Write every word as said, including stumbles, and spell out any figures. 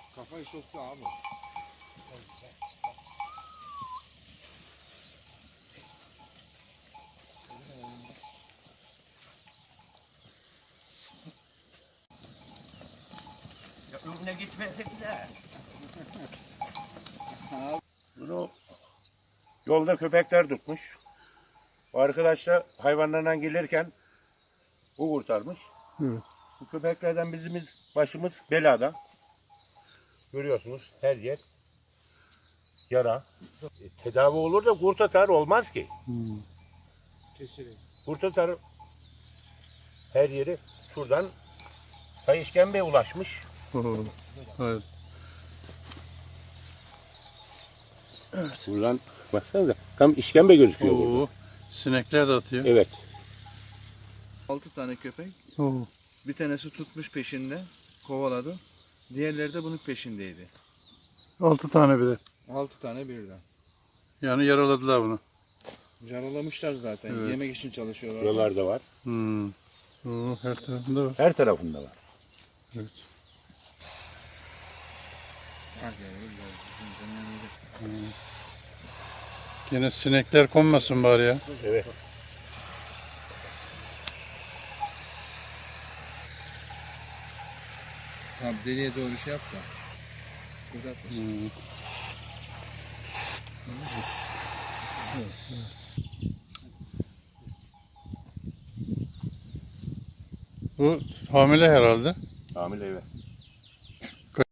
Kafayı soktu abi. Önüne gitmedik de. Bunu yolda köpekler tutmuş. O arkadaş da hayvanlarla gelirken o kurtarmış. Evet. Bu köpeklerden bizimiz başımız belada. Görüyorsunuz her yer yara. E, tedavi olur da kurt atar olmaz ki. Hmm. Kesilir. Kurt atar her yeri şuradan ta işkembeye ulaşmış. Oo. Evet. Buradan baksanıza tam işkembe gözüküyor burada. Oo. Sinekler de atıyor. Evet. Altı tane köpek. Oo. Bir tanesi tutmuş peşinde. Kovaladı. Diğerleri de bunun peşindeydi. Altı tane bir de. Altı tane birden. Yani yaraladılar bunu. Yaralamışlar zaten. Evet. Yemek için çalışıyorlar. Buralarda var. Hmm. Oo, her tarafında var. Her tarafında var. Evet. Bak yavrum, gel. Hmm. Yine sinekler konmasın bari ya. Evet. Tamam, deliye doğru şey yap da. Uzatmasın. Hmm. Bu hamile herhalde. Hamile evet.